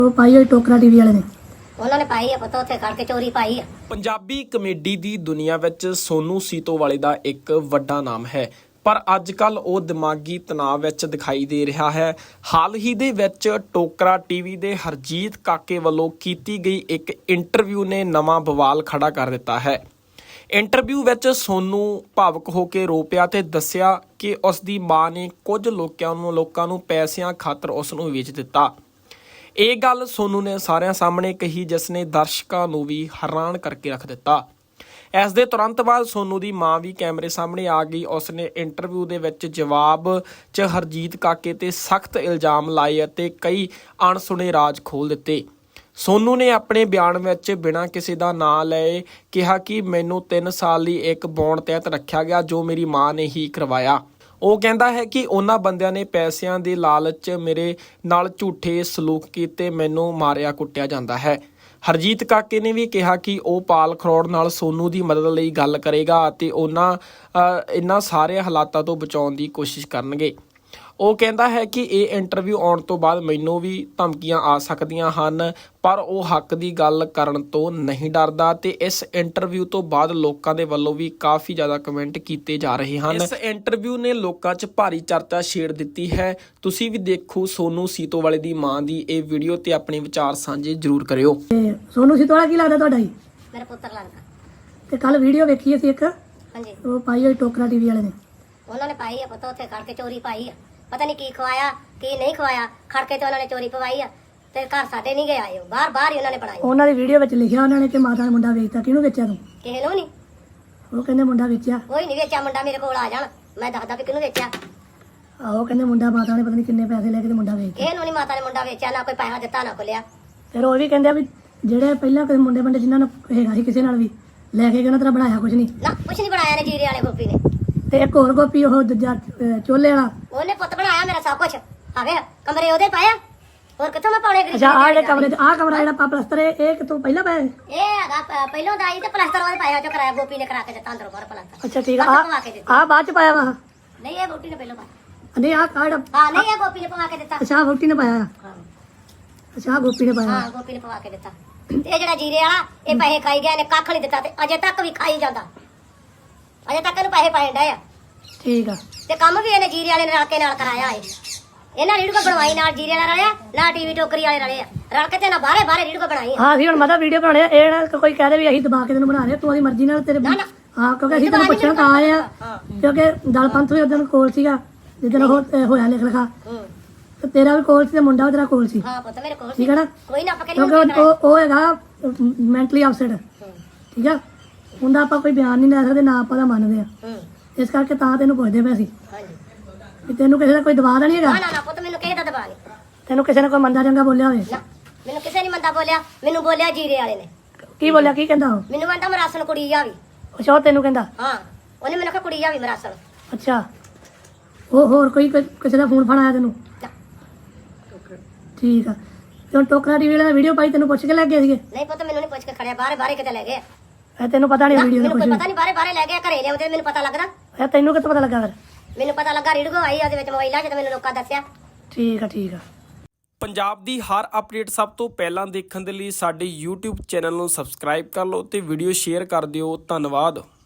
ਪਾਈ ਹੋਈ ਟੋਕਰਾ ਟੀਵੀ ਵਾਲੇ ਨੇ ਉਹਨਾਂ ਨੇ ਪਾਈ ਆ ਪਤਾ ਉੱਥੇ ਖੜ ਕੇ ਚੋਰੀ ਪਾਈ ਆ। ਪੰਜਾਬੀ ਕਮੇਡੀ ਦੀ ਦੁਨੀਆ ਵਿੱਚ ਸੋਨੂ ਸੀਤੋਵਾਲੇ ਦਾ ਇੱਕ ਵੱਡਾ ਨਾਮ ਹੈ, ਪਰ ਅੱਜ-ਕੱਲ ਉਹ ਦਿਮਾਗੀ ਤਣਾਅ ਵਿੱਚ ਦਿਖਾਈ ਦੇ ਰਿਹਾ ਹੈ। ਹਾਲ ਹੀ ਦੇ ਵਿੱਚ ਟੋਕਰਾ ਟੀਵੀ ਦੇ ਹਰਜੀਤ ਕਾਕੇ ਵੱਲੋਂ ਕੀਤੀ ਗਈ ਇੱਕ ਇੰਟਰਵਿਊ ਨੇ ਨਵਾਂ ਬਵਾਲ ਖੜਾ ਕਰ ਦਿੱਤਾ ਹੈ। ਇੰਟਰਵਿਊ ਵਿੱਚ ਸੋਨੂ ਭਾਵੁਕ ਹੋ ਕੇ ਰੋ ਪਿਆ ਤੇ ਦੱਸਿਆ ਕਿ ਉਸ ਦੀ ਮਾਂ ਨੇ ਕੁਝ ਲੋਕਾਂ ਨੂੰ ਪੈਸਿਆਂ ਖਾਤਰ ਉਸ ਨੂੰ ਵੇਚ ਦਿੱਤਾ। ਇਹ ਗੱਲ ਸੋਨੂ ਨੇ ਸਾਰਿਆਂ ਸਾਹਮਣੇ ਕਹੀ, ਜਿਸ ਨੇ ਦਰਸ਼ਕਾਂ ਨੂੰ ਵੀ ਹੈਰਾਨ ਕਰਕੇ ਰੱਖ ਦਿੱਤਾ। ਇਸ ਦੇ ਤੁਰੰਤ ਬਾਅਦ ਸੋਨੂ ਦੀ ਮਾਂ ਵੀ ਕੈਮਰੇ ਸਾਹਮਣੇ ਆ ਗਈ। ਉਸ ਨੇ ਇੰਟਰਵਿਊ ਦੇ ਵਿੱਚ ਜਵਾਬ 'ਚ ਹਰਜੀਤ ਕਾਕੇ ਤੇ ਸਖਤ ਇਲਜ਼ਾਮ ਲਾਏ ਅਤੇ ਕਈ ਅਣਸੁਣੇ ਰਾਜ਼ ਖੋਲ੍ਹ ਦਿੱਤੇ। ਸੋਨੂ ਨੇ ਆਪਣੇ ਬਿਆਨ ਵਿੱਚ ਬਿਨਾਂ ਕਿਸੇ ਦਾ ਨਾਂ ਲਏ ਕਿਹਾ ਕਿ ਮੈਨੂੰ 3 ਸਾਲ ਲਈ ਇੱਕ ਬੌਂਡ ਤਹਿਤ ਰੱਖਿਆ ਗਿਆ, ਜੋ ਮੇਰੀ ਮਾਂ ਨੇ ਹੀ ਕਰਵਾਇਆ। ਉਹ ਕਹਿੰਦਾ ਹੈ ਕਿ ਉਹਨਾਂ ਬੰਦਿਆਂ ਨੇ ਪੈਸਿਆਂ ਦੇ ਲਾਲਚ ਮੇਰੇ ਨਾਲ ਝੂਠੇ ਸਲੂਕ ਕੀਤੇ, ਮੈਨੂੰ ਮਾਰਿਆ ਕੁੱਟਿਆ ਜਾਂਦਾ ਹੈ। ਹਰਜੀਤ ਕਾਕੇ ਨੇ ਵੀ ਕਿਹਾ ਕਿ ਉਹ ਪਾਲ ਖਰੋੜ ਨਾਲ ਸੋਨੂ ਦੀ ਮਦਦ ਲਈ ਗੱਲ ਕਰੇਗਾ ਅਤੇ ਇਹਨਾਂ ਸਾਰੇ ਹਾਲਾਤਾਂ ਤੋਂ ਬਚਾਉਣ ਦੀ ਕੋਸ਼ਿਸ਼ ਕਰਨਗੇ। ਉਹ ਕਹਿੰਦਾ ਹੈ ਕਿ ਇਹ ਇੰਟਰਵਿਊ ਆਉਣ ਤੋਂ ਬਾਅਦ ਮੈਨੂੰ ਵੀ ਧਮਕੀਆਂ ਆ ਸਕਦੀਆਂ ਹਨ, ਪਰ ਉਹ ਹੱਕ ਦੀ ਗੱਲ ਕਰਨ ਤੋਂ ਨਹੀਂ ਡਰਦਾ ਤੇ ਇਸ ਇੰਟਰਵਿਊ ਤੋਂ ਬਾਅਦ ਲੋਕਾਂ ਦੇ ਵੱਲੋਂ ਵੀ ਕਾਫੀ ਜ਼ਿਆਦਾ ਕਮੈਂਟ ਕੀਤੇ ਜਾ ਰਹੇ ਹਨ। ਇਸ ਇੰਟਰਵਿਊ ਨੇ ਲੋਕਾਂ 'ਚ ਭਾਰੀ ਚਰਚਾ ਛੇੜ ਦਿੱਤੀ ਹੈ। ਤੁਸੀਂ ਵੀ ਦੇਖੋ ਸੋਨੂ ਸੀਤੋਵਾਲੇ ਦੀ ਮਾਂ ਦੀ ਇਹ ਵੀਡੀਓ ਤੇ ਆਪਣੇ ਵਿਚਾਰ ਸਾਂਝੇ ਜ਼ਰੂਰ ਕਰਿਓ। ਤੇ ਸੋਨੂ ਸੀਤੋਵਾਲਾ ਕੀ ਲੱਗਦਾ ਤੁਹਾਡਾ ਜੀ? ਮੇਰਾ ਪੁੱਤਰ ਲੱਗਦਾ। ਤੇ ਕੱਲ ਵੀਡੀਓ ਵੇਖੀ ਅਸੀਂ ਇੱਕ, ਹਾਂਜੀ ਉਹ ਪਾਈ ਹੋਈ ਟੋਕਰਾ ਟੀਵੀ ਵਾਲੇ ਨੇ ਉਹਨਾਂ ਨੇ ਪਾਈ ਆ ਪਤਾ ਉੱਥੇ ਖੜ ਕੇ ਚੋਰੀ ਪਾਈ ਆ। ਪਤਾ ਨਹੀਂ ਕੀ ਖਵਾਇਆ ਕੀ ਨਹੀਂ ਖਵਾਇਆ, ਖੜ ਕੇ ਤੇ ਉਹਨਾਂ ਨੇ ਚੋਰੀ ਪਵਾਈ ਆ ਤੇ ਘਰ ਸਾਡੇ ਨਹੀਂ ਗਏ ਆਏ, ਬਾਹਰ ਹੀ ਉਹਨਾਂ ਨੇ ਬਣਾਈ। ਉਹਨਾਂ ਦੀ ਵੀਡੀਓ ਵਿੱਚ ਲਿਖਿਆ ਉਹਨਾਂ ਨੇ ਕਿ ਮਾਤਾ ਨੇ ਮੁੰਡਾ ਵੇਚਤਾ। ਕਿਹਨੂੰ ਵੇਚਿਆ ਤੂੰ? ਕਿਸੇ ਨੂੰ ਨਹੀਂ, ਉਹ ਕਹਿੰਦੇ ਮੁੰਡਾ ਵੇਚਿਆ। ਕੋਈ ਨਹੀਂ ਵੇਚਿਆ ਮੁੰਡਾ, ਮੇਰੇ ਕੋਲ ਆ ਜਾਣ ਮੈਂ ਦੱਸਦਾ ਕਿ ਕਿਹਨੂੰ ਵੇਚਿਆ। ਆਹੋ ਕਹਿੰਦੇ ਮੁੰਡਾ ਮਾਤਾ ਨੇ ਪਤਾ ਨਹੀਂ ਕਿੰਨੇ ਪੈਸੇ ਲੈ ਕੇ ਤੇ ਮੁੰਡਾ ਵੇਚਿਆ। ਇਹਨੂੰ ਨਹੀਂ ਮਾਤਾ ਨੇ ਮੁੰਡਾ ਵੇਚਿਆ, ਨਾ ਕੋਈ ਪੈਸਾ ਦਿੱਤਾ ਨਾ ਖੋਲਿਆ। ਫਿਰ ਉਹ ਵੀ ਕਹਿੰਦੇ ਆ ਵੀ ਜਿਹੜੇ ਪਹਿਲਾਂ ਕੋਈ ਮੁੰਡੇ ਬੰਦੇ ਜਿਨ੍ਹਾਂ ਨੂੰ ਹੈਗਾ ਸੀ ਕਿਸੇ ਨਾਲ ਵੀ ਲੈ ਕੇ ਗਏ, ਉਹਨਾਂ ਤਰ੍ਹਾਂ ਬਣਾਇਆ ਕੁਝ ਨਹੀਂ ਨਾ ਕੁਛ ਨਹੀਂ ਬਣਾਇਆ ਨੇ ਜੀਰੇ ਵਾਲੇ ਗੋਪੀ ਨੇ। ਤੇ ਇੱਕ ਹੋਰ ਗੋਪੀ ਉਹ ਦੂਜਾ ਚੋਲੇ ਵਾਲਾ, ਉਹਨੇ ਪੁੱਤ ਬਣਾਇਆ ਮੇਰਾ ਸਭ ਕੁਝ। ਆਵੇ ਕਮਰੇ ਉਹਦੇ ਪਾਇਆ, ਹੋਰ ਕਿੱਥੋਂ ਮੈਂ ਪਾਉਣੇ ਗਰੀਬ। ਅੱਛਾ ਆਹ ਜਿਹੜੇ ਕਮਰੇ 'ਚ ਆਹ ਕਮਰਾ ਜਿਹੜਾ ਪਲਸਤਰ ਇਹ ਕਿਤੋਂ ਪਹਿਲਾਂ ਪਾਇਆ? ਇਹ ਹੈਗਾ ਪਹਿਲੋਂ ਦਾ ਆਈ ਤੇ ਪਲਾਸਟਰ ਉਹਦੇ ਪਾਇਆ, ਜੋ ਕਰਾਇਆ ਗੋਪੀ ਨੇ ਕਰਾ ਕੇ ਦਿੱਤਾ ਅੰਦਰੋਂ ਬਾਹਰ ਪਲਾਸਟਰ। ਅੱਛਾ ਠੀਕ ਆ। ਬਾਅਦ ਚ ਪਵਾ ਕੇ ਦਿੱਤਾ। ਆਹ ਬਾਅਦ ਚ ਪਾਇਆ ਵਾ? ਨਹੀਂ ਇਹ ਗੋਪੀ ਨੇ ਪਹਿਲੋਂ ਪਾਇਆ। ਨਹੀਂ ਆਹ ਜਿਹੜਾ ਹਾਂ ਨਹੀਂ ਇਹ ਗੋਪੀ ਨੇ ਪਵਾ ਕੇ ਦਿੱਤਾ। ਅੱਛਾ ਵੋਟੀ ਨੇ ਪਾਇਆ? ਹਾਂ ਅੱਛਾ ਆਹ ਗੋਪੀ ਨੇ ਪਾਇਆ? ਹਾਂ ਗੋਪੀ ਨੇ ਪਵਾ ਕੇ ਦਿੱਤਾ। ਤੇ ਇਹ ਜਿਹੜਾ ਜੀਰੇ ਵਾਲਾ ਇਹ ਪੈਸੇ ਖਾਈ ਗਿਆ, ਨੇ ਕੱਖ ਨਹੀਂ ਦਿੱਤਾ ਤੇ ਅਜੇ ਤੱਕ ਵੀ ਖਾਈ ਜਾਂਦਾ। ਅਜੇ ਤੱਕ ਇਹਨੂੰ ਪੈਸੇ ਪਾਏ ਡਏ ਆ। ਠੀਕ ਆ। ਤੇ ਕੰਮ ਵੀ ਇਹਨੇ ਜੀਰੇ ਵਾਲੇ ਨੇ ਰਲ ਕੇ ਨਾਲ ਕਰਾਇਆ ਏ। ਇਹਨਾਂ ਰੀੜ ਕੋ ਬਣਵਾਈ ਨਾਲ ਜੀਰੇ ਵਾਲਾ ਰਲਿਆ, ਨਾ ਟੀਵੀ ਟੋਕਰੀ ਵਾਲੇ ਰਲੇ ਆ, ਰਲ ਕੇ ਤੇ ਨਾ ਬਾਹਰੇ ਰੀੜ ਕੋ ਬਣਾਈ ਆ। ਹਾਂ ਅਸੀਂ ਹੁਣ ਮਤਾ ਵੀਡੀਓ ਬਣਾਉਣੇ ਆ, ਇਹ ਨਾ ਕੋਈ ਕਹਦੇ ਵੀ ਅਸੀਂ ਦਬਾ ਕੇ ਤੈਨੂੰ ਬਣਾ ਰਹੇ, ਤੂੰ ਆਦੀ ਮਰਜ਼ੀ ਨਾਲ ਤੇਰੇ ਨਾ ਨਾ ਹਾਂ ਕਿਉਂਕਿ ਅਸੀਂ ਤੈਨੂੰ ਪੁੱਛਣ ਤਾਂ ਆਏ ਆ, ਕਿਉਂਕਿ ਦਲ ਪੰਥ ਵੀ ਉਦੋਂ ਕੋਲ ਸੀਗਾ ਜਿੱਦਣ ਉਹ ਹੋਇਆ ਲਿਖ ਲਿਖਾ, ਤੇ ਤੇਰਾ ਵੀ ਕੋਲ ਸੀ ਤੇ ਮੁੰਡਾ ਵੀ ਤੇਰਾ ਕੋਲ ਸੀ। ਹਾਂ ਪੁੱਤ ਮੇਰੇ ਕੋਲ ਠੀਕ ਹੈ ਨਾ? ਕੋਈ ਨਾ ਪਕੜੀ ਕਿਉਂਕਿ ਉਹ ਹੈਗਾ ਮੈਂਟਲੀ ਅਪਸੈਟ। ਠੀਕ ਆ, ਉਹਦਾ ਆਪਾਂ ਕੋਈ ਬਿਆਨ ਨਹੀਂ ਲੈ ਸਕਦੇ, ਨਾ ਆਪਾਂ ਦਾ ਮੰਨਦੇ ਆ। ਇਸ ਕਰਕੇ ਤਾਂ ਤੈਨੂੰ ਪੁੱਛਦੇ ਪਏ ਸੀ ਹਾਂਜੀ ਵੀ ਤੈਨੂੰ ਕਿਸੇ ਦਾ ਕੋਈ ਦਬਾਅ ਤਾਂ ਨਹੀਂ ਹੈਗਾ? ਨਾ ਪੁੱਤ ਮੈਨੂੰ ਕਿਸੇ ਦਾ ਦਬਾ ਨਹੀਂ। ਤੈਨੂੰ ਕਿਸੇ ਨੇ ਕੋਈ ਮੰਦਾ ਚੰਗਾ ਬੋਲਿਆ ਹੋਵੇ? ਨਾ ਮੈਨੂੰ ਕਿਸੇ ਨੇ ਮੰਦਾ ਬੋਲਿਆ, ਮੈਨੂੰ ਬੋਲਿਆ ਜੀਰੇ ਵਾਲੇ ਨੇ। ਕੀ ਬੋਲਿਆ? ਕੀ ਕਹਿੰਦਾ ਉਹ? ਮੈਨੂੰ ਕਹਿੰਦਾ ਮਰਾਸਣ ਕੁੜੀ ਜਾਵੀ। ਅੱਛਾ ਉਹ ਤੈਨੂੰ ਕਹਿੰਦਾ? ਹਾਂ ਉਹਨੇ ਮੈਨੂੰ ਕਿਹਾ ਕੁੜੀ ਜਾਵੀ ਮਰਾਸਣ। ਅੱਛਾ ਉਹ ਹੋਰ ਕੋਈ ਕਿਸੇ ਦਾ ਫੋਨ ਆਇਆ ਤੈਨੂੰ? ਨਾ। ਠੀਕ ਆ। ਤੇ ਹੁਣ ਟੋਕਰਾ ਟੀਵੀ ਵਾਲਾ ਵੀਡੀਓ ਪਾਈ, ਤੈਨੂੰ ਪੁੱਛ ਕੇ ਲੈ ਗਏ ਸੀਗੇ? ਨਹੀਂ ਪੁੱਤ ਮੈਨੂੰ ਨਹੀਂ ਪੁੱਛ ਕੇ ਖੜਿਆ, ਬਾਹਰੇ ਕਿਤੇ ਲੈ ਗਏ। ਇਹ ਤੈਨੂੰ ਪਤਾ ਨਹੀਂ ਵੀਡੀਓ ਦਾ ਮੈਨੂੰ ਕੁਝ? ਕੋਈ ਪਤਾ ਨਹੀਂ, ਬਾਹਰੇ ਲੈ ਗਿਆ, ਘਰੇ ਲਿਆਉਂਦੇ ਮੈਨੂੰ ਪਤਾ ਲੱਗਦਾ। ਇਹ ਤੈਨੂੰ ਕਿੱਥੋਂ ਪਤਾ ਲੱਗਾ ਫਿਰ? ਮੈਨੂੰ ਪਤਾ ਲੱਗਾ ਰੀੜਗੋ ਆਈ ਉਹਦੇ ਵਿੱਚ ਮੋਬਾਈਲਾਂ 'ਚ ਤੇ ਮੈਨੂੰ ਲੋਕਾਂ ਦੱਸਿਆ। ਠੀਕ ਆ ਠੀਕ ਆ। ਪੰਜਾਬ ਦੀ ਹਰ ਅਪਡੇਟ ਸਭ ਤੋਂ ਪਹਿਲਾਂ ਦੇਖਣ ਦੇ ਲਈ ਸਾਡੇ YouTube ਚੈਨਲ ਨੂੰ ਸਬਸਕ੍ਰਾਈਬ ਕਰ ਲਓ ਤੇ ਵੀਡੀਓ ਸ਼ੇਅਰ ਕਰ ਦਿਓ। ਧੰਨਵਾਦ।